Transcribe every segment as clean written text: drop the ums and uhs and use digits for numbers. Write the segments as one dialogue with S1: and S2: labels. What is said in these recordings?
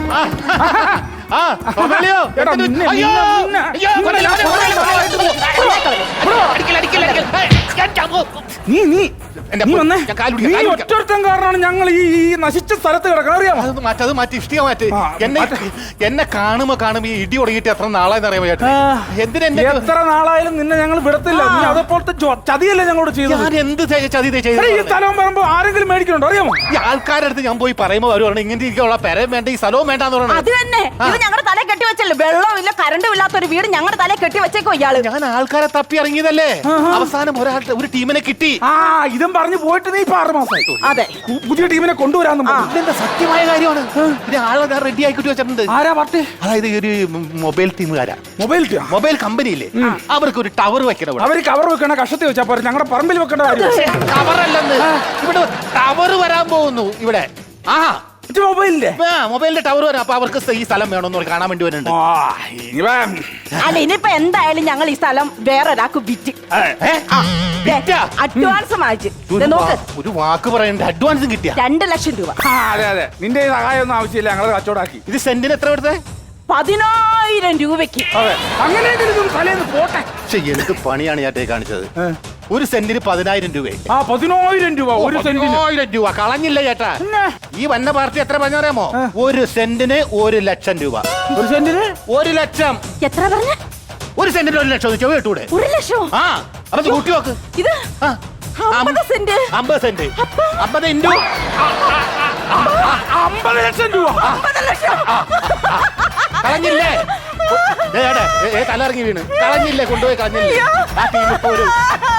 S1: ഒറ്റൊരുത്തൻ കാരണമാണ് ഞങ്ങൾ ഈ നശിച്ച സ്ഥലത്ത് കിടക്കണം. അറിയാമോ?
S2: അത് മാറ്റി ഇഷ്ടിക മാറ്റി. എന്നെ കാണുമ്പോ ഈ ഇടി തുടങ്ങിയിട്ട് എത്ര നാളായെന്ന് അറിയാമോ? എന്തിനാ
S1: എത്ര നാളായാലും നിന്നെ ഞങ്ങൾ വിടത്തില്ല. നീ അതേപോലത്തെ ചതിയല്ലേ ഞങ്ങളോട് ചെയ്തത്?
S2: ഞാൻ എന്ത് ചതി ചെയ്തു?
S1: ഈ സ്ഥലവും പറയുമ്പോ ആരെങ്കിലും മേടിക്കണുണ്ടോ? അറിയാമോ?
S2: ഈ ആൾക്കാരുടെ അടുത്ത് ഞാൻ പോയി പറയുമ്പോ അവർ പറഞ്ഞു ഇങ്ങനെ ഇരിക്കാനുള്ള പെരയും വേണ്ട, ഈ സ്ഥലവും വേണ്ടെന്ന് പറഞ്ഞു.
S3: അത് തന്നെ, ഇത് ഞങ്ങളുടെ തലയിൽ കെട്ടി വെച്ചല്ലേ. വെള്ളമില്ല, കറണ്ടും ഇല്ലാത്ത ഒരു വീട് ഞങ്ങളുടെ തലയിൽ കെട്ടി വെച്ചേക്കോ ഇയാള്.
S2: ഞാൻ ആൾക്കാരെ തപ്പി ഇറങ്ങിയതല്ലേ, അവസാനം ഒരു ടീമിനെ കിട്ടി.
S1: ഇതും പറഞ്ഞു പോയിട്ട് നീ 6 മാസമായി.
S3: അതെ,
S1: പുതിയ ടീമിനെ കൊണ്ടുവരാന്ന്.
S2: ഇതെന്താ സത്യമായ കാര്യമാണ്. ആളെ ഞാൻ റെഡി ആക്കിട്ട് വെച്ചിട്ടുണ്ട്.
S1: ആരാ പാർട്ടി?
S2: അതായത് ഒരു മൊബൈൽ ടീമുകാരാ. മൊബൈൽ കമ്പനിയില്ലേ, അവർക്ക് ഒരു ടവർ വെക്കണം.
S1: അവര് കവർ വെക്കണ കഷത്തി വെച്ചാ പോരെ, ഞങ്ങളുടെ പറമ്പിൽ വെക്കേണ്ട കാര്യം.
S2: ടവറല്ലെന്ന്, ഇവിടെ ടവർ വരാൻ പോകുന്നു ഇവിടെ. മൊബൈലിന്റെ ടവർ വരാം. അപ്പൊ അവർക്ക് ഈ സ്ഥലം വേണമെന്ന് കാണാൻ വേണ്ടി വരുന്നുണ്ട്.
S3: അല്ല, ഇനിയിപ്പോ എന്തായാലും ഞങ്ങൾ ഈ സ്ഥലം വേറെ ഒരാൾക്ക് വിറ്റ് അഡ്വാൻസ് വാങ്ങിച്ച്.
S2: ഒരു വാക്ക് പറയണ്ട, അഡ്വാൻസും കിട്ടിയ
S3: 2 ലക്ഷം രൂപ.
S1: അതെ അതെ, നിന്റെ സഹായം ഒന്നും ആവശ്യമില്ല, ഞങ്ങൾ കച്ചവടാക്കി.
S2: ഇത് സെന്റിന് എത്ര എടുത്തേ?
S3: 10,000 രൂപയ്ക്ക്.
S1: അങ്ങനെയെങ്കിലും തലേന്ന് പോട്ടെ.
S2: എന്ത് പണിയാണ് ഞാൻ കാണിച്ചത്. ഒരു സെന്റിന് 10,000 രൂപ.
S1: 10,000 രൂപ ഒരു സെന്റിന്.
S2: 10,000 രൂപ കളഞ്ഞില്ല ചേട്ടാ. ഈ വന്ന പാർട്ടി എത്ര പറഞ്ഞറിയാമോ? ഒരു സെന്റിന് 1 ലക്ഷം രൂപ.
S1: ഒരു സെന്റിന് 1 ലക്ഷം.
S3: എത്ര പറഞ്ഞ?
S2: ഒരു സെന്റിന് 1 ലക്ഷം കേട്ടൂടെ?
S3: 1 ലക്ഷം?
S2: അപ്പൊ കൂട്ടി നോക്ക്.
S3: ഇത് 50 സെന്റ്.
S2: 50 സെന്റ് 50 ഇൻറ്റു
S1: 50 ലക്ഷം രൂപ.
S3: 50 ലക്ഷം
S2: കളഞ്ഞില്ലേ? തലയിറങ്ങി വീണ് കളഞ്ഞില്ലേ? കൊണ്ടുപോയി കളഞ്ഞില്ലേ? ആ ടീം ഇപ്പൊ ഒരു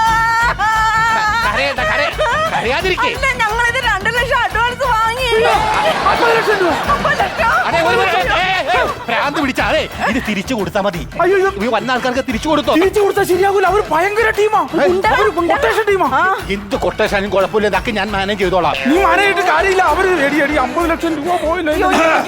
S2: കരയാതിരിക്കേ.
S3: ഞങ്ങളിത് 2 ലക്ഷം അഡ്വാൻസ് വാങ്ങി.
S1: 50 ലക്ഷം രൂപ.
S2: ഭ്രാന്ത് പിടിച്ചാ. അതെ, ഇത് തിരിച്ചു കൊടുത്താ മതി. വന്ന ആൾക്കാർക്ക് തിരിച്ചു കൊടുത്തോ?
S1: തിരിച്ചു കൊടുത്താൽ ശരിയാകൂല. അവർ ഭയങ്കര ടീമാ, കൊട്ടേഷൻ ടീമാ.
S2: എന്ത് കൊട്ടേഷനും കുഴപ്പമില്ല, ഇതൊക്കെ ഞാൻ മാനേജ് ചെയ്തോളാം.
S1: നീ മാനേജ് ചെയ്തിട്ട് കാര്യമില്ല. അവര് 50 ലക്ഷം രൂപ പോയില്ല.